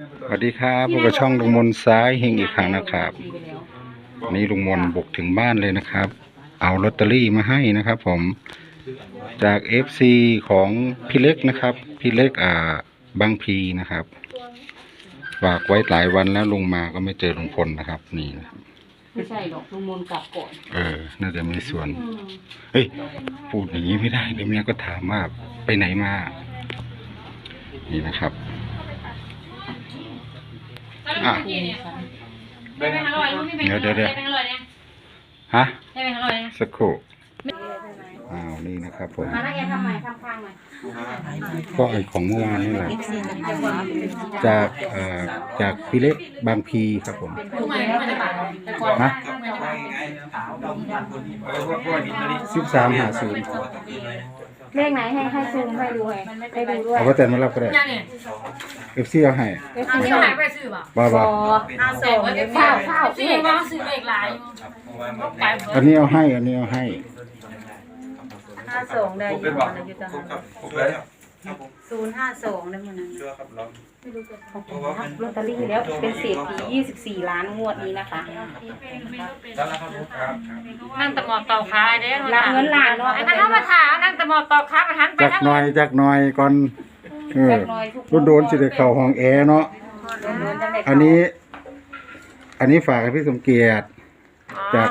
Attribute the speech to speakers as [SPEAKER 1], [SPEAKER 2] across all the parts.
[SPEAKER 1] สวัสดีครับพบกับช่องลุงมนซ้ายเฮงอีกครั้งนะครับวันนี้ลุงมนบุกถึงบ้านเลยนะครับ เอาลอตเตอรี่มาให้นะครับผมจาก FC ของพี่เล็กนะครับพี่เล็กบางพีนะครับฝากไว้หลายวันแล้วลุงมาก็ไม่เจอลุงพลนะครับนี่นะครับ
[SPEAKER 2] ไม่ใช่หรอกลุงมนกลับก่อน
[SPEAKER 1] น่าจะมีส่วนเฮ้ยพูดอย่างนี้ไม่ได้เดี๋ยวเมียก็ถามว่าไปไหนมานี่นะครับอ่ะเดี๋ยวฮะสักครู่นี่นะครับผมก็ไอของเมื่อวานนี่แหละจากพี่เล็กบางพีครับผมฮะ1350
[SPEAKER 3] เลขไหนให้ซูมให้ดูให้ดูด้วย
[SPEAKER 1] เอาไปแต่มารับก็ได้FC เอาให้บ้า
[SPEAKER 3] ข้าว
[SPEAKER 2] ซื้อว่าซื้อเลขหลาย
[SPEAKER 1] อันนี้เอาให้
[SPEAKER 3] 52ได้อยู่นะอยู่จัง052ได้มันนั้นไม่รู้จะลอตเตอรี่แล้วเป็นเศรษฐี24ล้านงวดนี้นะคะ
[SPEAKER 2] นั่งตะหมอบต่อขาเด้อ
[SPEAKER 3] รับเงินล้านเนาะ
[SPEAKER 2] ไอ้ท่านเข้ามาถามนั่งตะหมอบต่อขาประทันไป
[SPEAKER 1] จักหน่อยก่อนโดนสิได้เข้าห้องแอร์เนาะอันนี้ฝากให้พี่สมเกียรติจาก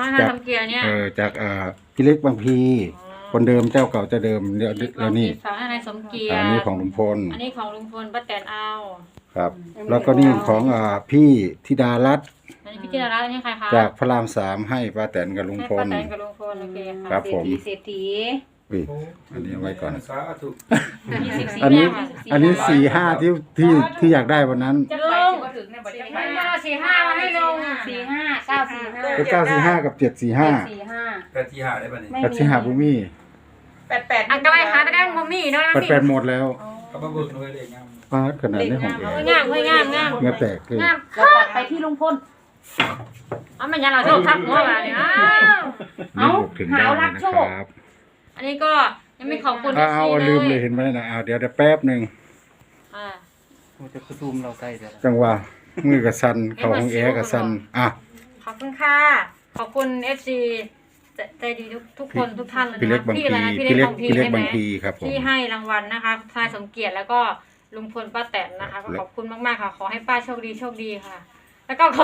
[SPEAKER 1] พี่เล็กบางพีคนเดิมเจ้าเก่าจะเดิมแล้วนี่
[SPEAKER 2] ฝากให้นายสมเกียรติ
[SPEAKER 1] อันนี้ของลุงพล
[SPEAKER 2] อันนี้ของลุงพลป้าแตนเอา
[SPEAKER 1] ครับแล้วก็นี่ของพี่ธิดารัตน์
[SPEAKER 2] อันนี้พี่ธิดารัตน์อันนี้ใครคะ
[SPEAKER 1] จากพระราม3ให้ป้าแตนกับลุงพล
[SPEAKER 2] ป้าแตนกับลุงพลโอเคค่ะ
[SPEAKER 1] ครับผม
[SPEAKER 3] เศรษฐี
[SPEAKER 1] อันนี้ไว้ก่อน
[SPEAKER 2] อัน
[SPEAKER 1] นี้45ที่อยากได้วันนั้น
[SPEAKER 2] ลุง45มาให้ลุง
[SPEAKER 3] 45
[SPEAKER 1] 945กับ745
[SPEAKER 3] ได้ป่ะนี่
[SPEAKER 1] 845บุมี่
[SPEAKER 3] 88
[SPEAKER 2] อันก็ไรคะแต่ได้บ่มีเนาะ
[SPEAKER 1] 88หมดแล้ว
[SPEAKER 4] ก็มาเบิกเลยเลยงาม
[SPEAKER 1] ปาดขนาดนี้ของแก
[SPEAKER 2] งาม
[SPEAKER 1] เงาแตกเลย
[SPEAKER 3] เราตัดไปที่ลุงพล
[SPEAKER 2] เอามันยังเราโชคทับหัวมาเนี่ย
[SPEAKER 1] เอาถึงบ้านนะครับ
[SPEAKER 2] อันนี้ก็ยังไม่ขอบคุณ
[SPEAKER 1] เอาลืมเลยเห็นไหมนะเดี๋ยวแป๊บนึง
[SPEAKER 4] จะประชุมเราใกล้แล้ว
[SPEAKER 1] จังหวะมือกับซันเขาของแอกับซัน
[SPEAKER 2] ขอบคุณค่ะขอบคุณ FC ใจดีทุกคนทุกท่านเลยนะ
[SPEAKER 1] พี่เล็กบางพีครับผม
[SPEAKER 2] ที่ให้รางวัลนะคะทนายสมเกียรติแล้วก็ลุงพลป้าแตนนะคะก็ขอบคุณมากๆค่ะขอให้ป้าโชคดีค่ะแล้วก็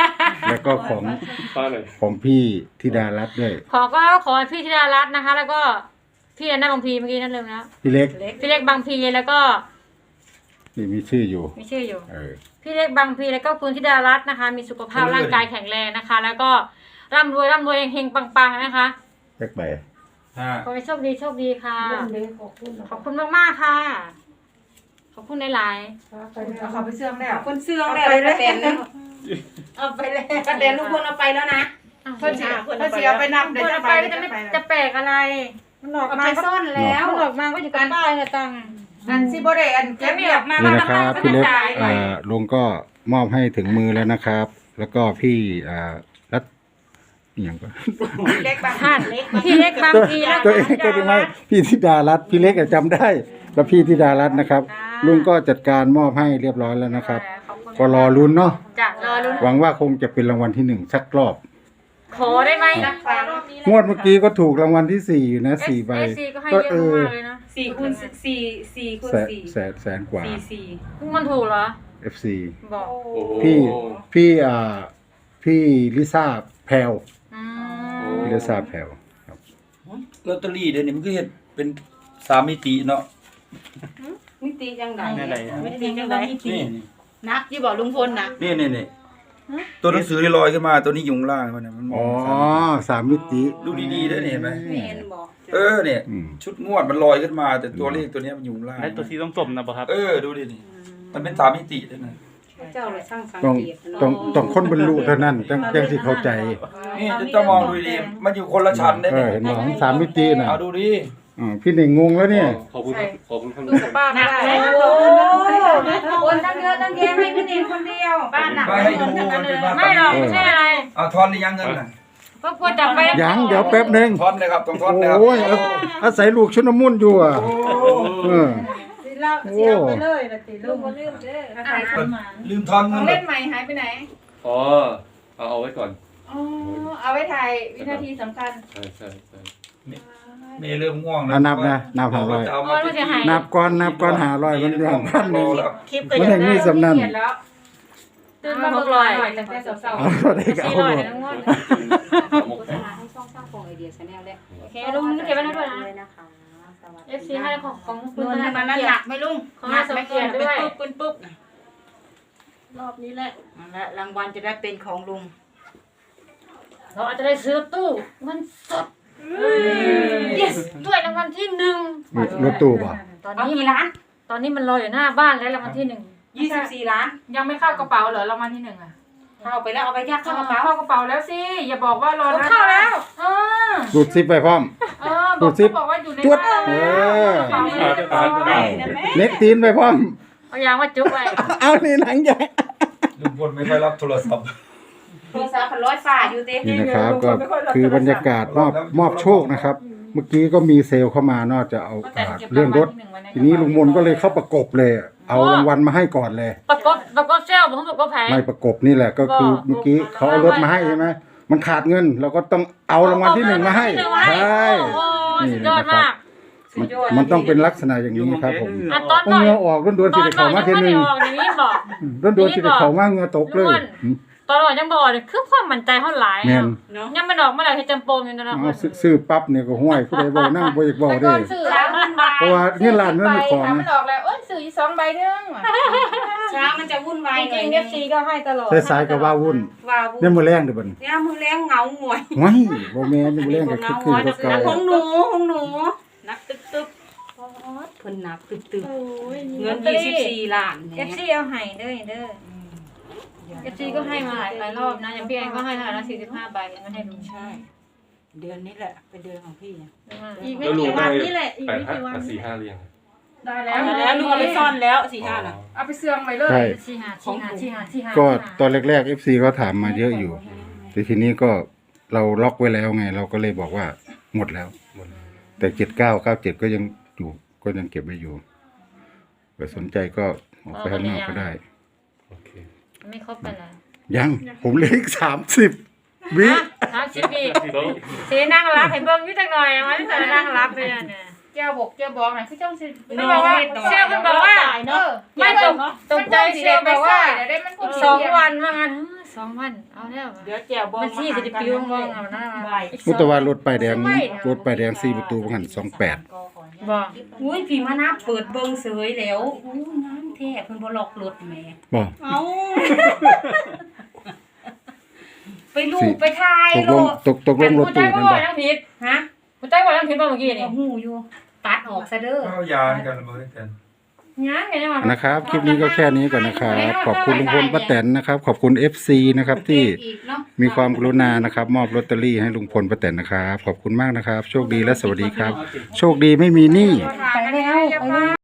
[SPEAKER 1] ของพี่ธิดารัตน์ด้วย
[SPEAKER 2] ขอพี่ธิดารัตน์นะคะ แล้วก็พี่อนันต์บางพีเมื่อกี้นั่นเลยนะ
[SPEAKER 1] พี่เล็ก
[SPEAKER 2] บางพีแล้วก็
[SPEAKER 1] นี่มีชื่ออยู่
[SPEAKER 2] พี่เล็กบางพีแล้วก็คุณธิดารัตน์นะคะมีสุขภาพร่างกายแข็งแรงนะคะแล้วก็ร่ำรวยเฮงปังๆนะคะ
[SPEAKER 1] แจ็คไป
[SPEAKER 2] ขอให้โชคดีค่ะขอบคุณมากๆค่ะขอบคุณหลาย
[SPEAKER 3] ๆเขาไปเสื่องแล้วคนเสื่องแล้วป้าแตนเอาไปแล้วป้าแตนลุงพลเอาไปแล้วนะ
[SPEAKER 2] เสียไปนับเดี๋ยวจะแปลกอะไรมันหลอกมา
[SPEAKER 3] ซ่อนแล้ว
[SPEAKER 2] หลอกมาก็อยู่กันป้ายเนี่ยตัง
[SPEAKER 3] อันซิโบเรอันแกไม่ออกมา
[SPEAKER 1] นี่นะครับพี่เล็กลุงก็มอบให้ถึงมือแล้วนะครับแล้วก็พี่รัตอย่างก็
[SPEAKER 3] พี่เล็กบาง
[SPEAKER 2] พี
[SPEAKER 1] ตัวเองก็ไม่พี่ธิดารัตน์พี่เล็กจำได้แล้วพี่ธิดารัตน์นะครับลุงก็จัดการมอบให้เรียบร้อยแล้วนะครับก็รอลุ้นเนาะหวังว่าคงจะเป็นรางวัลที่1สักรอบ
[SPEAKER 2] ขอได้ไหม
[SPEAKER 1] งวดเมื่อกี้ก็ถูกรางวัลที่4อยู่นะ4ใบ
[SPEAKER 2] ก็
[SPEAKER 3] 4คูณ4แสน
[SPEAKER 1] กว่า
[SPEAKER 2] มันถูกเหรอ
[SPEAKER 1] FC บอกพี่ลิซ่าแพลวพี่ลิซ่าแพลวครับ
[SPEAKER 4] ลอตเตอรี่เดี๋ยวนี้มันก็เห็นเป็น3มิติเนาะ
[SPEAKER 3] มิติจังได๋
[SPEAKER 4] นี่
[SPEAKER 3] นักที่บอกลุงพลนะ
[SPEAKER 4] นี่ตัวหนังสือที่ลอยขึ้นมาตัวนี้อยู่ข้างล่างมันมัน
[SPEAKER 1] 3มิติ
[SPEAKER 4] ดูดีๆได้เห็นไหมเนี่ยชุดงวดมันลอยขึ้นมาแต่ตัวเลขตัวนี้มันอยู่ข้างล่าง
[SPEAKER 5] แล้วตัวสีส้มๆนะป่ะครับ
[SPEAKER 4] ดูดินี่มันเป็น3มิติด้วยนะ
[SPEAKER 3] เจ้าเลยช่างสังเกต
[SPEAKER 1] ต้องคนบรรลุเท่านั้นจังสิเข้าใจ
[SPEAKER 4] นี่จะมองดูดีมันอยู่คนละชั้นได้
[SPEAKER 1] เห็นบ่3มิติน่ะ
[SPEAKER 4] เอาดูดิ
[SPEAKER 1] พี่หนึ่งงงแล้วเนี่ย
[SPEAKER 5] ขอบคุณครับ
[SPEAKER 3] ดูป้าไม่ได้คนตั้งเยอะตั้งแยะให้พี่หนึ่งคนเดียวบ้านน่ะ
[SPEAKER 2] ไม่หรอกไม่ใช่อะไร
[SPEAKER 4] เอาทอนหรือยังเงินน่ะ
[SPEAKER 2] ก็ควรจับไป
[SPEAKER 1] ยังเดี๋ยวแป๊บนึง
[SPEAKER 4] ทอนเลยครับต้องทอนนะครับ
[SPEAKER 1] โอ้ยอาศัยลูกชุนมุนอยู่
[SPEAKER 3] ลเราเสียไปเลยนะติลุง
[SPEAKER 2] ลืมเด้อ
[SPEAKER 3] ใครคนมา
[SPEAKER 4] ลืมทอน
[SPEAKER 3] ข
[SPEAKER 4] เงิ
[SPEAKER 3] อง
[SPEAKER 4] น
[SPEAKER 3] เล่นใหม่หายไปไหน
[SPEAKER 5] อ๋อเอาไว้ก่อน
[SPEAKER 3] อ๋อเอาไว้ถ่ายวินาทีสำคัญ
[SPEAKER 5] ใช่ใช่ใช่
[SPEAKER 4] เมย์เริ่มง่วง
[SPEAKER 1] เอานับนะนับ500
[SPEAKER 4] จะเอามาที่
[SPEAKER 1] นับก่อน500มันอย่างพันหนึง
[SPEAKER 3] คลิป
[SPEAKER 1] มันยังมีสำนัน
[SPEAKER 2] ตื่นมา600
[SPEAKER 3] ตั้งแต่สาว
[SPEAKER 1] เอาเท่าใดก็เอาหมด
[SPEAKER 2] ทั้งหมด
[SPEAKER 6] โฆษณาให้ช่องสร้างฟองไอเดียชาแนลและ
[SPEAKER 2] โอเคลุงเก็บไว้นะด้วยนะ
[SPEAKER 6] เลยนะคะสวัสดี
[SPEAKER 2] FC ให้ของ
[SPEAKER 3] ๆ
[SPEAKER 2] คุณ
[SPEAKER 3] เงิน
[SPEAKER 2] ธนา
[SPEAKER 3] มัน
[SPEAKER 2] เกีย
[SPEAKER 3] ห
[SPEAKER 2] ร
[SPEAKER 3] นั
[SPEAKER 2] ติ
[SPEAKER 3] กไหมลุง
[SPEAKER 2] ของเราสมเกียรติด้วย
[SPEAKER 3] ปุ๊บปุ๊บรอบนี้แหละและรางวัลจะได้เป็นของลุง
[SPEAKER 2] เราอาจจะได้ซื้อตู้เงินสด yes ด้วยรางวัลที่หนึ่ง
[SPEAKER 1] นี่รถตู้บ่
[SPEAKER 2] ตอน
[SPEAKER 3] เอา
[SPEAKER 2] นี้
[SPEAKER 3] กี่ล้าน
[SPEAKER 2] ตอนนี้มันรออยู่หน้าบ้านแล้วรางวัลที่หนึ่ง
[SPEAKER 3] 24 ล้าน
[SPEAKER 7] ยังไม่เข้ากระเป๋าเหรอรางวัลที่หนึ่งอ่ะ
[SPEAKER 3] เข้าไปแล้วเอาไปยัดเข้ากระเป๋า
[SPEAKER 7] เข้ากระเป๋าแล้วสิอย่าบอกว่ารอ
[SPEAKER 2] เข้าแล้ว
[SPEAKER 7] เออ
[SPEAKER 1] ดูดซิปไปพร้อม
[SPEAKER 7] บอก
[SPEAKER 1] ดูสิ
[SPEAKER 7] เขาบอกว่าอยู่ใน
[SPEAKER 1] จวด
[SPEAKER 7] บ้าน
[SPEAKER 1] เออ
[SPEAKER 7] กระเป๋าเรียบร้อย
[SPEAKER 1] เน็กตีนไปพร้อม
[SPEAKER 2] เอายางว่าจุ๊บไว้
[SPEAKER 1] เอานี่หนังใหญ่
[SPEAKER 4] ลุงพลไม่ค่อยรับโทรศัพท์
[SPEAKER 3] โทรศัพท์ร้อยฝ่าอยู่เต็ม
[SPEAKER 1] นี่นะครับก็คือบรรยากาศมอบโชคนะครับ เมื่อกี้ก็มีเซลล์เข้ามานอกจะเอาเรื่องรถ ทีนี้ลุงมนก็เลยเข้าประกบเลย เอารางวัลมาให้ก่อนเลย
[SPEAKER 2] ประกบเซลผมประกบแผง
[SPEAKER 1] ไม่ประกบนี่แหละก็คือเมื่อกี้เขาเอารถมาให้ใช่ไหมมันขาดเงินเราก็ต้องเอารางวัลที่หนึ่งมาให้ใช่
[SPEAKER 2] โอ้โห
[SPEAKER 1] นี่
[SPEAKER 2] สุดยอด
[SPEAKER 1] นะครับ
[SPEAKER 2] มาก
[SPEAKER 1] มันต้องเป็นลักษณะอย่างนี้ครับผม
[SPEAKER 2] อ่ะตอน
[SPEAKER 1] เอา
[SPEAKER 2] หน่อย
[SPEAKER 1] เงือออกด้วน
[SPEAKER 2] ต
[SPEAKER 1] ๆ
[SPEAKER 2] อ
[SPEAKER 1] สิ
[SPEAKER 2] น
[SPEAKER 1] เด็ก
[SPEAKER 2] หน่
[SPEAKER 1] เขา
[SPEAKER 2] อย
[SPEAKER 1] มา
[SPEAKER 2] ยัง
[SPEAKER 1] เที
[SPEAKER 2] ไม่
[SPEAKER 1] นึง
[SPEAKER 2] ออกอย่างนี้บอก
[SPEAKER 1] ด้วนๆสิเด็กเขามาเงือตกเลย
[SPEAKER 2] ตอนหน่อยยังบอกเลยคือความมั่นใจเท่าไหร่
[SPEAKER 1] แม่น
[SPEAKER 3] เนาะ
[SPEAKER 2] ยังมันออกมาแล้วให้จำปมอยู่นะ
[SPEAKER 1] เอาซื้อปั๊บเนี่ยก็ห้วยผู้ใดบ่นั่งบ่อยากบ่
[SPEAKER 7] แต่
[SPEAKER 1] ได้
[SPEAKER 7] ก่อนสื่อ
[SPEAKER 3] ช้างมันวาย
[SPEAKER 1] เพราะว่าเงินล้านมันเป็นของ
[SPEAKER 7] ทำมันออกแล้วเอ้ยสื่ออีก2 ใบนึง
[SPEAKER 3] ช้างมันจะวุ่นวาย
[SPEAKER 2] จ
[SPEAKER 3] หน่
[SPEAKER 2] ริ
[SPEAKER 3] อย
[SPEAKER 2] ง
[SPEAKER 3] นึ
[SPEAKER 2] ๆ FC ก็ให้ตลอด
[SPEAKER 1] แต่สายก็ว่าวุ่น
[SPEAKER 3] ว้าว
[SPEAKER 1] เนี่ยมื้อแรงเด้อบัดนี้
[SPEAKER 3] เนี่ยมือแรงเหงาหงวย
[SPEAKER 1] ว้ายบ่แม่นมื้อแรงก็คือคือเก่า
[SPEAKER 3] ของหนูนักตึ๊บตึ๊บเพิ่นนับตึ๊บตึ๊บเงิน24 ล้านเนี่ย
[SPEAKER 2] FC เอาให้เด้อFC ก็ให้มาหลายรอบนะอย่างพี่แอนก็ให้เท่าไหร่นะ45 ใบไม่ให้ลุง
[SPEAKER 3] ใช่ เดือนนี้แหละเป็นเดือนของพี่
[SPEAKER 7] อีกไม่กี่วันนี่แหละอีกไม่กี่วัน
[SPEAKER 5] 8-5เรียง
[SPEAKER 7] ได้แล้
[SPEAKER 3] แล้วลุงเอาไปซ่อนแล้ว4-5น่ะ
[SPEAKER 7] เอาไปเสื่องไว้เลย
[SPEAKER 1] ใช่
[SPEAKER 2] 45
[SPEAKER 1] ก็ตอนแรกๆ FC เขาถามมาเยอะอยู่ แต่ทีนี้ก็เราล็อกไว้แล้วไง เราก็เลยบอกว่าหมดแล้ว
[SPEAKER 5] หมดแล้ว
[SPEAKER 1] แต่7997ก็ยังอยู่ก็ยังเก็บไว้อยู่ใครสนใจก็ออกไปข้างนอกก็ได้
[SPEAKER 5] โอเค
[SPEAKER 2] ไม่ครบไปแล้ว
[SPEAKER 1] ยังผมเหลืออีก30 วิ
[SPEAKER 2] 30 ปีสีนั่งรับเห็นเบิ่งอยู่จังหน่อยมันจะนั่งรับไปเนี่ย
[SPEAKER 7] แก้วบอกหน่อยคือเจ้าสิ
[SPEAKER 2] มันบอกว่าเชี่ยวมันบอกว่า ไม่ตกใจเชี่ยวบอกว่า
[SPEAKER 7] เดี๋ยวได้มันคง
[SPEAKER 2] 2 วันว่างั้น2 วันเอาแล้ว
[SPEAKER 3] เดี๋ยวแจวบอง
[SPEAKER 2] มันที่จะปิวงงเอานะ
[SPEAKER 1] มุตวารถป้ายแดงรถป้ายแดง4ประตูหัน28
[SPEAKER 2] บ่
[SPEAKER 3] อุ้ยพี่มานับเปิดเบิ่งเสยแล้วอู้น้ำแท้เพิ่นบ่ล็อกรถแม่
[SPEAKER 1] บ่
[SPEAKER 3] เอาไปลูกไปทาย
[SPEAKER 1] ตก
[SPEAKER 3] โล
[SPEAKER 1] ลง
[SPEAKER 3] ด
[SPEAKER 1] ตกลงรถ
[SPEAKER 2] กูใจ
[SPEAKER 1] ตู้
[SPEAKER 2] บ่
[SPEAKER 1] กัน
[SPEAKER 2] บ่
[SPEAKER 1] บ่
[SPEAKER 2] ทั้งผิด
[SPEAKER 3] ฮะ
[SPEAKER 2] กูใจบ่ทั้งผิดบ่เมื่อกี้นี่
[SPEAKER 3] เอาหูอยู่ ตัดออกซะเด้อ
[SPEAKER 4] เอายาให้กันเลยกัน
[SPEAKER 2] ยังไงมา
[SPEAKER 1] นะครับ คลิปนี้ก็แค่นี้ก่อนนะครับ ขอบคุณลุงพลป้าแตนนะครับ ขอบคุณ FC นะครับที่
[SPEAKER 3] อีกเนาะ
[SPEAKER 1] มีความกรุณานะครับ มอบลอตเตอรี่ให้ลุงพลป้าแตนนะครับ ขอบคุณมากนะครับ โชคดีและสวัสดีครับ โชคดีไม่มีหนี้
[SPEAKER 7] ไปแล้ว